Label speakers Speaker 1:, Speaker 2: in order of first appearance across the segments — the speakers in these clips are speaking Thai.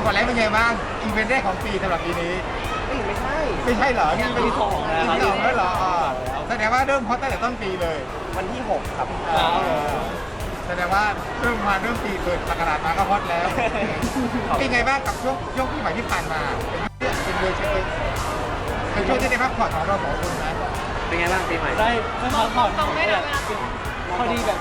Speaker 1: ก่อนแล้วเป็นไงบ้างอีเวนต์แรกของปีสำหรับปีนี้
Speaker 2: ไม่ใช่
Speaker 1: ไม่ใช่เหรอนี่เป็น
Speaker 2: ปีสองแล้ว
Speaker 1: ปีสองแล้วเหรอแสดงว่าเริ่มฮอตตั้งแต่ต้นปีเลย
Speaker 2: วันที่ 6 ครับ
Speaker 1: แสดงว่าเริ่มปีเปิดประกาศมาก็ฮอตแล้วเป็นไงบ้างกับช่วงปีใหม่ที่ผ่านมาเป็นเลยใช่ไหมเป็นช่วงที่ได้พักผ่อนของเราสองคนนะ
Speaker 2: เป็นไงบ้างปีใหม่
Speaker 3: ได้พักผ่อนพอดีแบบ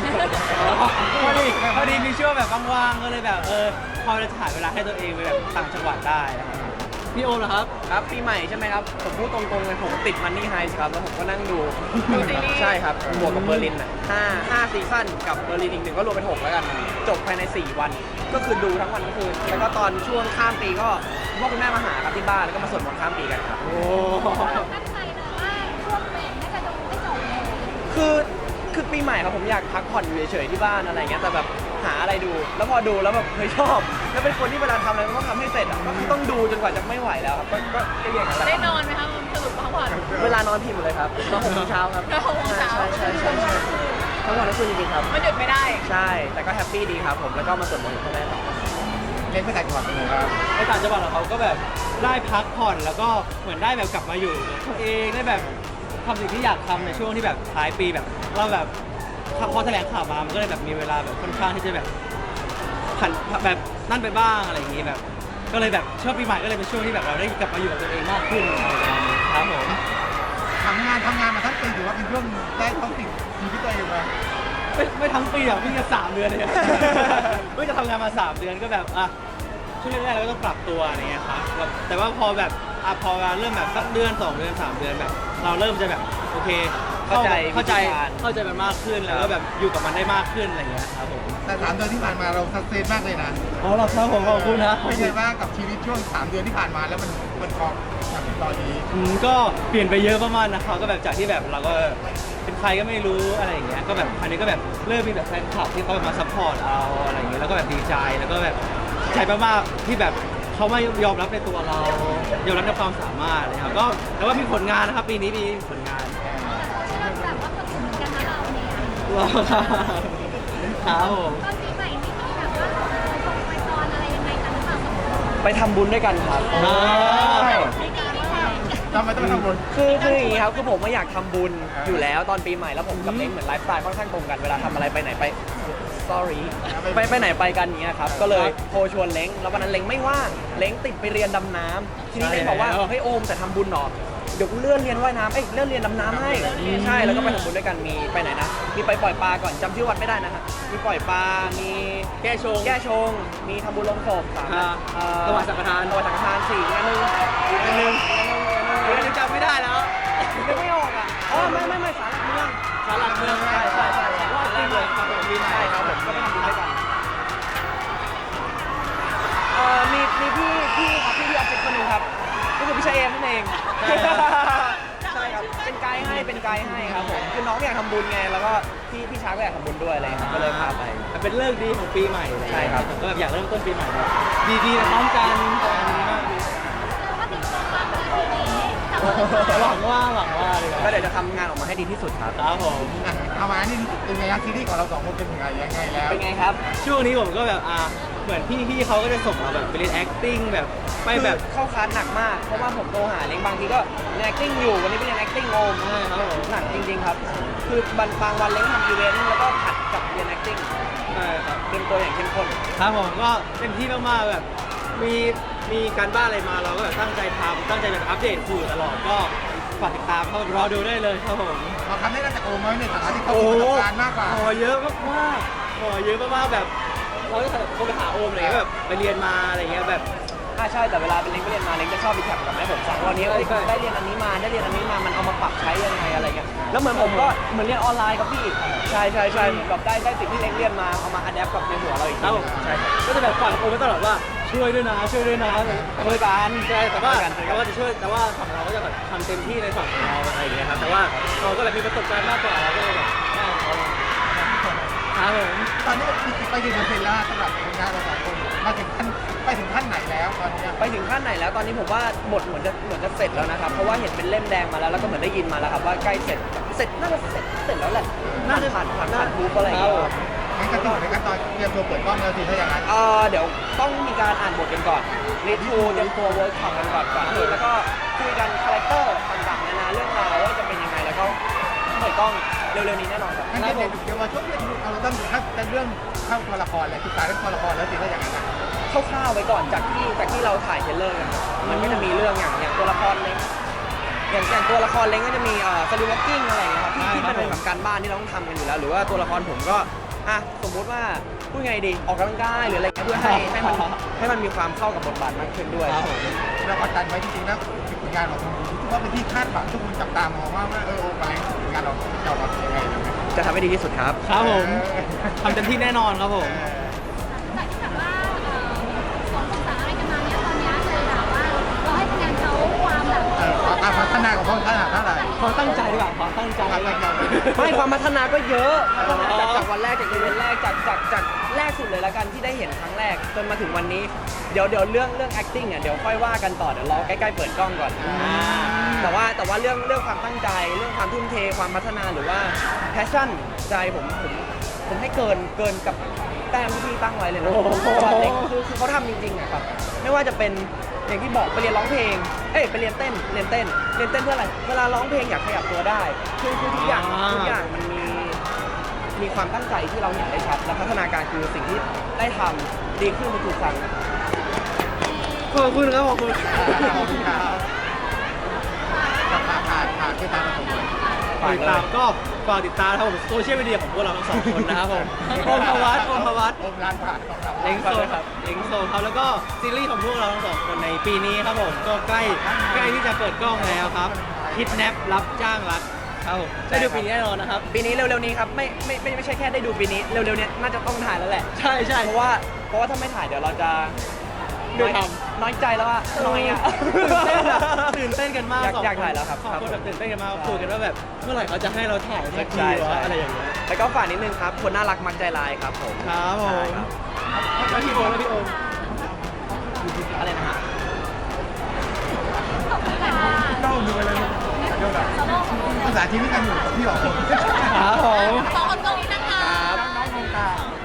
Speaker 3: พอดีมีช่วงแบบว่างๆก็เลยแบบพอจะถ่ายเวลาให้ตัวเองไปแบบต่างจังหวัดได้นะครับพี่โอมเหรอครับ
Speaker 2: ครับปีใหม่ใช่ไหมครับผมพูดตรงๆเลยผมติดมันนี่ไฮส์ครับแล้วผมก็นั่งดู
Speaker 4: ซีรีส์
Speaker 2: ใช่ครับบวกกับเบอร์ลินห้าซีซั่นกับเบอร์ลินอีกหนึ่งก็รวมเป็น6แล้วกันจบภายใน4 วันก็คือดูทั้งวันทั้งคืนแล้วก็ตอนช่วงข้ามปีก็พ่อคุณแม่มาหาครับที่บ้านแล้วก็มาสวดมนต์ข้ามปีกันครับ
Speaker 3: โอ้
Speaker 4: ตั้งใจนะว่าช่วงเบรกน่าจะดูไม่จบเลย
Speaker 2: คือปีใหม่ครับผมอยากพักผ่อนอยู่เฉยๆที่บ้านอะไรเงี้ยแต่แบบหาอะไรดูแล้วพอดูแล้วแบบเฮ้ยชอบแล้วเป็นคนที่เวลาทำอะไรมันต้องทำให้เสร็จอ่ะก็คือต้องดูจนกว่าจะไม่ไหวแล้วครับก็อย่างนั้นแหละ
Speaker 4: ได้นอนไหมคะสรุปพักผ่อน
Speaker 2: เวลานอนพิมพ์หมดเลยครับนอน6 โมงเช้าครับ
Speaker 4: นอน6 โมงเช้า
Speaker 2: ใช่ทั้งวันทั้งคืนจริงๆครับ
Speaker 4: มันหยุดไม่ได้
Speaker 2: ใช่แต่ก็แฮปปี้ดีครับผมแล้วก็มาสวดมนต์กับพ่อแม่ต่อ
Speaker 1: เล่นไปต่างจังหวัดเป็นไงบ้าง
Speaker 3: ในต่างจังหวัดของเขาก็แบบได้พักผ่อนแล้วก็เหมือนได้แบบกลับมาอยู่กับตัวเองได้แบบทำสิ่งที่อยากทำในช่วงที่แบบท้ายปีแบบเราแบบพอแถลงข่าวมามันก็เลยแบบมีเวลาแบบค่อนข้างที่จะแบบผันแบบนั่นไปบ้างอะไรอย่างงี้แบบ ก็เลยแบบช่วงปีใหม่ก็เลยเป็นช่วงที่แบบเราได้กลับมาอยู่กับตัวเองมากขึ้นอะไรประมาณนี้ครับผม
Speaker 1: ทำงานมาทั้งปีถือว่าเป็นช่วงได้ท้องติดชีวิตตัวเองไหม
Speaker 3: ไม่ทั้งปีอ่ะเพิ่งจะ3 เดือนเลยเพิ่งจะทำงานมา3 เดือนก็แบบช่วงแรกๆเราก็ต้องปรับตัวอะไรเงี้ยครับแต่ว่าพอแบบพอเริ่มแบบสักเดือน2 เดือน3 เดือนแบบ เราเริ่มจะแบบโอเคเข้าใจมันมากขึ้นแล้วก็แบบอยู่กับมันได้มากขึ้นอะไรเงี้ยครับผม
Speaker 1: แต่3 เดือนที่ผ่านมาเราสักเซนมากเลยนะ
Speaker 3: อ๋อเราครับผมขอบคุณนะ
Speaker 1: เป็นไงบ้างกับชีวิตช่วง3 เดือนที่ผ่านมาแล้วมันพอมาถึงตอนนี้
Speaker 3: ก็เปลี่ยนไปเยอะมากๆนะครับก็แบบจากที่แบบเราก็เป็นใครก็ไม่รู้อะไรอย่างเงี้ยก็แบบอันนี้ก็แบบเริ่มมีแบบแฟนคลับที่เขามาซัพพอร์ตเราอะไรอย่างเงี้ยแล้วก็แบบดีใจแล้วก็แบบใจมากๆที่แบบเขาไม่ยอมรับในตัวเรายอมรับในความสามารถเลยครับก็แต่ว่ามีผลงานนะครับปีนี้มีผลงาน
Speaker 4: แบบว่าคนอื่นเหมือนกันนะเราเนี่ย
Speaker 3: รอครับครับผม
Speaker 4: ตอนปีใหม่นี่มีแบบว่าไปพรอะไรยังไงกันหรือเปล่า
Speaker 2: ไปทำบุญด้วยกันครับ
Speaker 4: ไม่ดีไม่แรง
Speaker 1: ทำไมต้องไปทำบุญ
Speaker 2: คืออย่างนี้ครับคือผมไม่อยากทำบุญอยู่แล้วตอนปีใหม่แล้วผมกับเล้งเหมือนไลฟ์สไตล์ค่อนข้างตรงกันเวลาทำอะไรไปไหนไป sorry ไปไหนไปกันอย่างเงี้ยครับก็เลยโทรชวนเล้งแล้ววันนั้นเล้งไม่ว่างเล้งติดไปเรียนดำน้ำทีนี้เล้งบอกว่าเฮ้ยโอมแต่ทำบุญหรอเดี๋ยวกูเลื่อนเรียนว่ายน้ำเลื่อนเรียนดำน้ำให้ใช่แล้วก็ไปทำบุญด้วยกันมีไปไหนนะมีไปปล่อยปลาก่อนจำชื่อวัดไม่ได้นะฮะมีปล่อยปลามีแก้ชงมีทำบุญลงศพถวายสังฆทาน4งานหนึ่ง
Speaker 3: จำไม่ได้แล้ว
Speaker 2: นึกไม่ออกอ่ะไม่สารหลักเมืองใช่รอบปีใหม่ครับผมใช่ครับผมก็ไปทำบุญด้วยกันมีพี่ครับพี่ออฟฟิศคนหนึ่งครับก็คือพี่ชายเอมนั่นเองใช่ครับเป็นไกด์ให้ครับผมคือน้องอยากทำบุญไงแล้วก็พี่ช้างก็อยากทำบุญด้วยอะไรครับก็เลยพาไป
Speaker 3: เป็นเลิกดีของปีใหม่เลย
Speaker 2: ใช่ครับ
Speaker 3: ก็แบบอยากเริ่มต้นปีใหม่แบบดีๆพร้อมกันมากดี
Speaker 4: ว่าติดตัวความเป็นปีนี้แต่ว่า
Speaker 3: หวังว่าเลย
Speaker 2: ก็เดี๋ยวจะทำงานออกมาให้ดีที่สุดครับ
Speaker 3: ครับผม
Speaker 1: เอามานี่เป็นไงครับซีรีส์ของเรา2 คนเป็นยังไงแล้ว
Speaker 2: เป็นไงครับ
Speaker 3: ช่วงนี้ผมก็แบบเหมือนพี่เขาก็จะส่งเราแบบไปเรียน acting แบบไปแบบ
Speaker 2: คือเข้าคลาสหนักมากเพราะว่าผมโทรหาเล้งบางทีก็เรียน acting อยู่วันนี้ไปเรียน acting โอม
Speaker 3: ใช่ครับผม
Speaker 2: หนักจริงๆครับ คือบางวันเล้งทำอีเวนต์แล้วก็ผัดกับเรียน acting
Speaker 3: ใช่ครับ
Speaker 2: เตรียมตัวอย่างเข้มข้น
Speaker 3: ครับผมก็เต็มที่มากๆแบบมีการบ้านอะไรมาเราก็แบบตั้งใจทำตั้งใจแบบอัปเดตสื่อตลอดก็ฝากติดตามเข้ารอดูได้เลยครับผม
Speaker 1: เราทำได้จากโอมไหมในฐานะที่เขามีประสบการณ์มากกว่า
Speaker 3: ขอเยอะมากๆขอเยอะมากๆแบบเราจะโทรไปหาโอมอะไรเงี้ยแบบไปเรียนมาอะไรเงี้ยแบบ
Speaker 2: ใช่แต่เวลาเป็นเล้งไปเรียนมาเล้งจะชอบรีแคปกับแม่ผมฟังวันนี้ได้เรียนอันนี้มามันเอามาปรับใช้ยังไงอะไรเงี้ยแล้วเหมือนผมก็เหมือนเรียนออนไลน์ครับพี่ใช่แบบได้สิ่งที่เล้งเรียนมาเอามาอัดแอปกับในหัวเราอีก
Speaker 3: ครับผม
Speaker 2: ใช่ครับ
Speaker 3: ก็จะแบบฝากโอมไว้ตลอดว่าช่วยด้วยนะช่วยกันใช่แต่ว่าจะช่วยแต่ว่าฝั่งเราก็จะแบบทำเต็มที่ในฝั่งของเราอะไรอย่างเงี้ยครับแต่ว่าเราก็แบบมีประสบการณ์มากกว่าเราก็เลยแบบได้ของเขาครับผม
Speaker 1: ตอนนี้ไปกี่เปอร์เซ็นต์แล้วสำหรับผลงานเรา2 คนไปถึงขั้นไหนแล้วตอนนี้
Speaker 2: ไปถึงขั้นไหนแล้วตอนนี้ผมว่าบทเหมือนจะเสร็จแล้วนะครับเพราะว่าเห็นเป็นเล่มแดงมาแล้วแล้วก็เหมือนได้ยินมาแล้วครับว่าใกล้เสร็จน่าจะเสร็จแล้วแหละน่าจะผ่านทูบอะไรอย่างเงี้ย
Speaker 1: งั้นก็ต่อในขั้นตอนเตรียมตัวเปิดกล้องแล้วสิถ้าอย่างนั้น
Speaker 2: เดี๋ยวต้องมีการอ่านบทกันก่อนรีทูเตรียมตัวเวิร์กช็อปกันก่อนที่แล้วก็คุยกันคาแรคเตอร์ต่างๆนานาเรื่องราวว่าจะเป็นยังไงแล้วก็เปิดกล้องเร็วๆนี้แน่นอนครับ
Speaker 1: งั้นเดี๋ยวว่าช่วงนี้เราต้องถ้าเป็นเรื่องเข้าตัวละครเลยศึกษาเรื่องตัวละครแล้วสิถ้าอย่างนั้นนะ
Speaker 2: คร่าวๆไว้ก่อนจากที่เราถ่ายเทรลเลอร์กันมันก็จะมีเรื่องอย่างตัวละครเล้งอย่างตัวละครเล้งก็จะมีสลิวอล์กกิ้งอะไรอย่างเงี้ยครับที่เป็นแบบการบ้านที่เราต้องทำกันอยู่แล้วหรือว่าตัวละครผมก็สมมุติว่าพูดไงดีออกกำลังกายหรืออะไรเพื่อให้มันมีความเข้ากับบทบาทมากขึ้นด้วย
Speaker 1: เรากดดันไว้จริงๆนะผลงานของทุกคนว่าเป็นที่คาดหวังทุกคนจับตามองว่าโอ้ไปผลงานเราจะออกมาเป็นยังไง
Speaker 2: จะทำให้ดีที่สุดครับ
Speaker 3: ครับผมทำเต็มที่แน่นอนครับผม
Speaker 4: จากที่แบบว่าสองภาษาอะไรกันมาเนี่ยตอนนี้เลยแบบว่าเราให้คะแนนเขาความแบบ
Speaker 1: การพัฒนาของเขาขนาดเท่าไหร่
Speaker 3: ความตั้งใจดีกว่าความตั้งใจ
Speaker 2: ไม่ความพัฒนาก็เยอะจากวันแรกจากอีเวนต์แรกจากแรกสุดเลยแล้วกันที่ได้เห็นครั้งแรกจนมาถึงวันนี้เดี๋ยวเรื่อง acting เดี๋ยวค่อยว่ากันต่อเดี๋ยวรอใกล้ๆเปิดกล้องก่อนแต่ว่าเรื่องความตั้งใจเรื่องความทุ่มเทความพัฒนาหรือว่า passion ใจผมให้เกินกับแต้มที่พี่ตั้งไว้เลยนะคือเขาทำจริงๆอะครับไม่ว่าจะเป็นอย่างที่บอกไปเรียนร้องเพลงไปเรียนเต้นเพื่ออะไรเวลาร้องเพลงอยากขยับตัวได้คือทุกอย่างมันมีความตั้งใจที่เราเห็นได้ชัดและพัฒนาการคือสิ่งที่ได้ทำดีขึ้นทุกครั้ง
Speaker 3: ขอบคุณครับขอบคุณ
Speaker 1: ขอบคุณครับกับผ่านที่ตามมาสมบูรณ์
Speaker 3: ติดตามก็ฝากติดตามนะครับผมโซเชียลมีเดียของพวกเราทั้งสองคนนะครับผมโอมพวัต
Speaker 1: โอมร้านผ่านของเรา
Speaker 3: เล้งโซครับเล้งโซครับแล้วก็ซีรีส์ของพวกเราทั้งสองคนในปีนี้ครับผมก็ใกล้ที่จะเปิดกล้องแล้วครับคิดแนปรับจ้างรักครับผมได้ดูปีนี้แน่นอนนะครับ
Speaker 2: ปีนี้เร็วๆนี้ครับไม่ใช่แค่ได้ดูปีนี้เร็วๆนี้น่าจะต้องถ่ายแล้วแหละ
Speaker 3: ใช่
Speaker 2: เพราะว่าถ้าไม่ถ่ายเดี๋ยวเราจะน้อยใจแล้วว่าน้อยอ่ะ
Speaker 3: ตื่นเต้นกันมาก
Speaker 2: อยากถ่ายแล้วครับ
Speaker 3: สองคนแบบตื่นเต้นกันมากคุยกันว่าแบบเมื่อไหร่เขาจะให้เราถ่ายสักทีวะอะไรอย่างเงี้ย
Speaker 2: แล้วก็ฝากนิดนึงครับคนน่ารักมักใจลายครับผม
Speaker 3: ครับผม
Speaker 2: ใช่ครับ
Speaker 3: แล้วพี่โอม
Speaker 2: อะไรนะฮะ
Speaker 1: ต้องดูไปเลยภาษาชีวิตกันอยู่พี่หรอ
Speaker 3: ครับผม
Speaker 4: ข